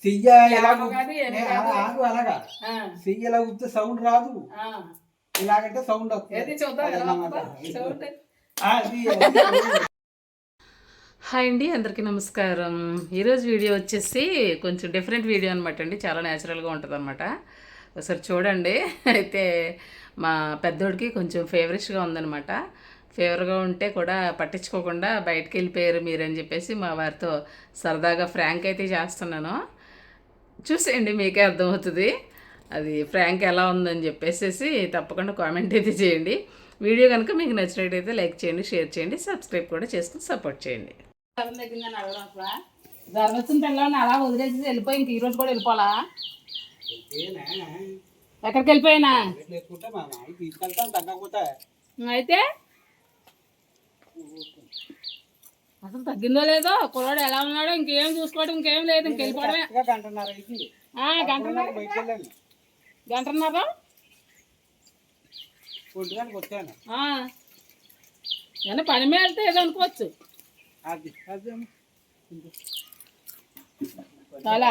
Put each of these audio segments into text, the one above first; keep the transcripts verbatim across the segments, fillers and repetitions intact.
చెయ్య ఎలా ఆగు అలాగా చెయ్యి ఎలా గుర్తే సౌండ్ రాదు, ఇలాగంటే సౌండ్ వస్తుంది. హాయ్ అండి, అందరికీ నమస్కారం. ఈరోజు వీడియో వచ్చేసి కొంచెం డిఫరెంట్ వీడియో అనమాట అండి. చాలా న్యాచురల్గా ఉంటుంది అనమాట. ఒకసారి చూడండి. అయితే మా పెద్దోడికి కొంచెం ఫేవరెట్గా ఉందనమాట. ఫేవర్గా ఉంటే కూడా పట్టించుకోకుండా బయటకు వెళ్ళిపోయారు మీరని చెప్పేసి మా వారితో సరదాగా ఫ్రాంక్ అయితే చేస్తున్నాను. చూసేయండి, మీకే అర్థమవుతుంది అది ఫ్రాంక్ ఎలా ఉందని చెప్పేసి. తప్పకుండా కామెంట్ అయితే చేయండి. వీడియో కనుక మీకు నచ్చినట్టయితే లైక్ చేయండి, షేర్ చేయండి, సబ్స్క్రైబ్ కూడా చేసుకుని సపోర్ట్ చేయండి. జ్వరం వచ్చిన పిల్లల్ని అలా వదిలేసి వెళ్ళిపోయి ఇంక ఈరోజు కూడా వెళ్ళిపోవాలా? ఎక్కడికి వెళ్ళిపోయినా అయితే అసలు తగ్గిందో లేదో, కుర్రాడు ఎలా ఉన్నాడో ఇంకేం చూసుకోవడం ఇంకేం లేదు, ఇంకెళ్ళిపోవడమే. గంటన్నర గంటన్నర ఏమన్నా పని మీద వెళ్తే ఏదో అనుకోవచ్చు. చాలా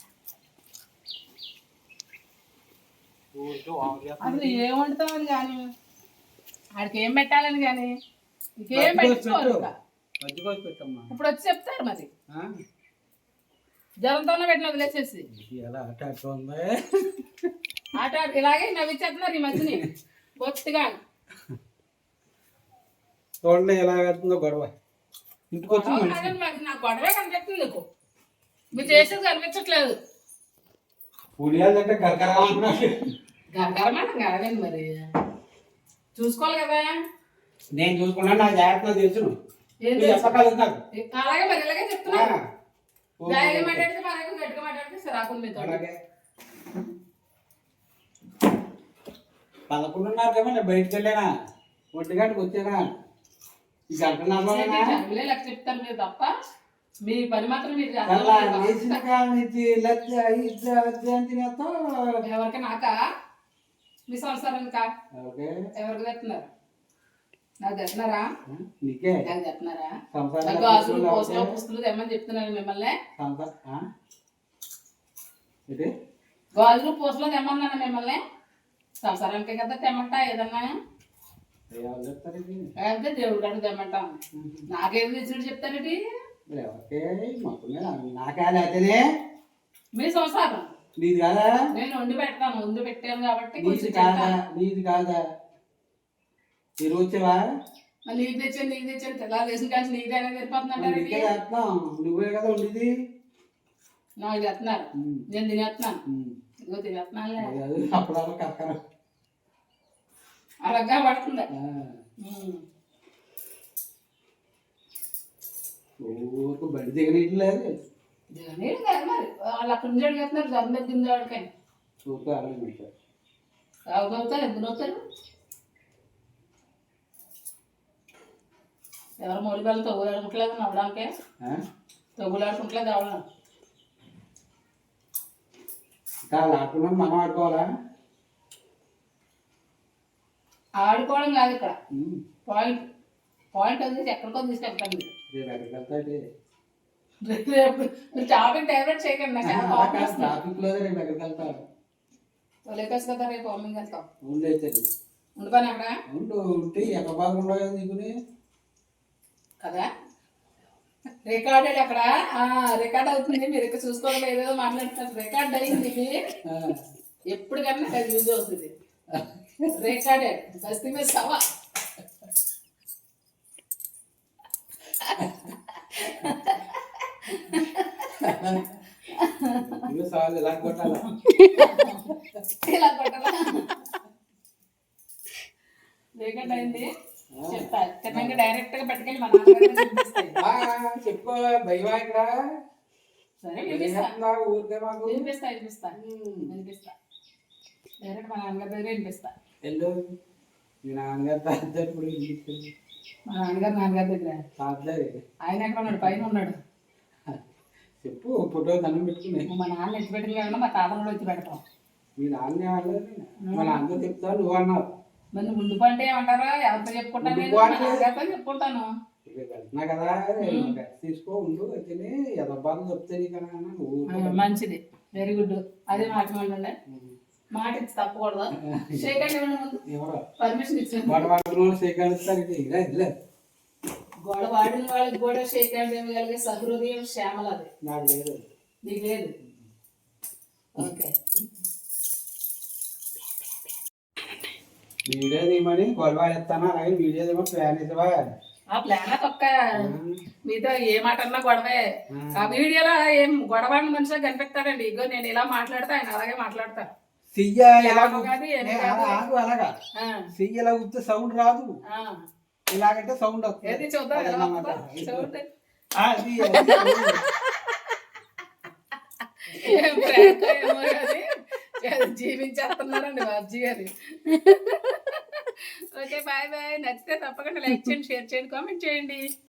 అసలు ఏం వండుతామని కానీ ఆడికి ఏం పెట్టాలని కానీ ఇంకేం పెట్టుకోరు. ఇప్పుడు వచ్చి చెప్తారు మరి జ్వరంతోనే పెట్టిన వదిలేసేసి ఆట ఇలాగే నవ్విచ్చేస్తున్నారు ఈ మధ్యని బొత్తిగా. చూడండి ఎలాగవుతుందో గొడవ. నాకు గొడవే కనిపిస్తుంది, నీకు మీరు చేసేది కనిపించట్లేదు. గరగరమాట కాదండి, మరి చూసుకోవాలి కదా. నేను చూసుకున్నాను, నా జాగ్రత్తగా తెలుసును. అలాగే మరి ఇలాగే చెప్తున్నా. జాయిగా మాట్లాడితే మనకి గట్టిగా మాట్లాడితే సరాకులు మీతో. పదకొండున్నర కదా నేను బయటకు వెళ్ళానా, ఒంటి గంటకు వచ్చానా, ఈ గంట లెక్క చెప్తాను మీరు తప్ప మీ పని మాత్రం మీరు ఎవరికి నాకా మీ సంవత్సరానికా ఎవరికి తెస్తున్నారు? నాకు తెస్తున్నారా? నాకు తెస్తున్నారా? గాజులు పూసలు పుస్తులు తెమ్మని చెప్తున్నాను మిమ్మల్ని. గాజులు పూసలు తెమ్మన్నాను మిమ్మల్ని. సంసారానికే కదా తెమ్మంట ఏదన్నా. అయితే దేవుడు కాడు తెమ్మంటాం. నాకేం తెచ్చుడు చెప్తారేంటి? మీ సంసారం నీది కాదా? నేను వండి పెడతాను, వండి పెట్టాను కాబట్టి నీది కాదా? నీది కాదా? మీరు వచ్చావా? నీకు తెచ్చాను నీకు తెచ్చాను తెల్లారు వేసిన కాల్సి నీదే అనేది వెళ్ళిపోతుందంటారు. నువ్వే కదా ఉండేది. నాకు తెస్తున్నారు, నేను తినేస్తున్నాను. ఇదిగో తినేస్తున్నానులే. అప్పుడు కక్కర అలాగా పడుతుంది. బండి దిగనీయట్లేదు. దిగనీరు కాదు మరి వాళ్ళు అక్కడి నుంచి అడిగేస్తున్నారు. జ్వరం తగ్గింది వాడికని అవుతారు. ఎందుకు అవుతారు? ఎవరు మూడు బెల్లం తగ్గులాడుకుంటలేదు నవ్వడానికే. తగ్గులాడుకుంటలేదు ఎవరు ఆడుకున్నాం. మనం ఆడుకోవాలా? ఆడుకోవడం కాదు ఇక్కడ పాయింట్. పాయింట్ వచ్చేసి ఎక్కడికో తీసుకెళ్తాను. మీరు టాపిక్ డైవర్ట్ చేయకండి. లేకేసి కదా రేపు అమ్మింగ్ వెళ్తాం. ఉండిపోయినా అక్కడ ఉంటే ఎక్కడ బాగుండవు కదా. రికార్డెడ్ అక్కడ రికార్డ్ అవుతుంది. మీరు ఇక్కడ చూసుకోవడం ఏదేదో మాట్లాడుతున్నారు. రికార్డ్ అయింది ఇది. ఎప్పటికన్నా అది యూజ్ అవుతుంది. రికార్డెడ్ బస్తీ మీద సవా. ఇలా కొట్టాలా? ఇలా కొట్టాలా? రికార్డ్ అయింది చెప్తా. తిన్నాక డైరెక్ట్ గా పట్టుకెళ్ళి మా నాన్న చెప్పు భయమా ఇక్కడ. సరే వినిపిస్తా వినిపిస్తా వినిపిస్తా వినిపిస్తా డైరెక్ట్ మా నాన్నగారి దగ్గర వినిపిస్తా. మీ నాన్నగారు మా నాన్నగారు నాన్నగారి దగ్గర ఆయన ఎక్కడ ఉన్నాడు? పైన ఉన్నాడు. చెప్పు ఫోటో దండం పెట్టుకుని. మా నాన్న ఎత్తి పెట్టిన కాకుండా మా తాత కూడా ఎత్తి పెడతాం. మీ నాన్న మా నాన్నతో చెప్తావు, నువ్వు అన్నావు. మరి ముందు పంటే ఏమంటారా? ఎవరితో చెప్పుకుంటాను? చెప్పుకుంటాను. రేపు వెళ్తున్నా కదా రేపు తీసుకో ఉండు అయితే ఎదబ్బాలు చెప్తే నీకన్నా నువ్వు ఆ, మంచిది వెరీ గుడ్ అదే మాట మళ్ళీ మాట ఇచ్చి తప్పకూడదు షేక్ హ్యాండ్ ఇవ్వండి ముందు ఎవరో పర్మిషన్ ఇచ్చాను గొడవ సేకరిస్తారు ఇలా ఇలా గొడవ ఆడిన వాళ్ళకి కూడా షేక్ హ్యాండ్ ఇవ్వగలిగే సహృదయం శ్యామల అది నాకు లేదు నీకు లేదు ఓకే వీడియో తీయమని గొడవ ఎత్తాను అలాగే వీడియో తీయమని ప్లాన్ ఇస్తావా ఆ ప్లాన్ ఒక్క మీతో ఏ మాట అన్నా గొడవే ఆ వీడియోలో ఏం గొడవ మనిషిగా కనిపిస్తాడండి ఇగో నేను ఇలా మాట్లాడతా ఆయన అలాగే మాట్లాడతా చెయ్య ఎలా లాభం కాదు, ఏమీ నే- కాదు. ఆగు అలాగా ఆ, చెయ్యి ఎలా గుర్తు సౌండ్ రాదు ఆ. ఇలాగంటే సౌండ్ వస్తుంది ఏది చూద్దాం ఎలా అదన్నమాట. వస్తుందో? చూడండి. ఆ, అది అది ఏం prank ఏమో కానీ జీవించేస్తున్నారండి బాబ్జీ గారు ఓకే బాయ్ బాయ్ నచ్చితే తప్పకుండా లైక్ చేయండి షేర్ చేయండి కామెంట్ చేయండి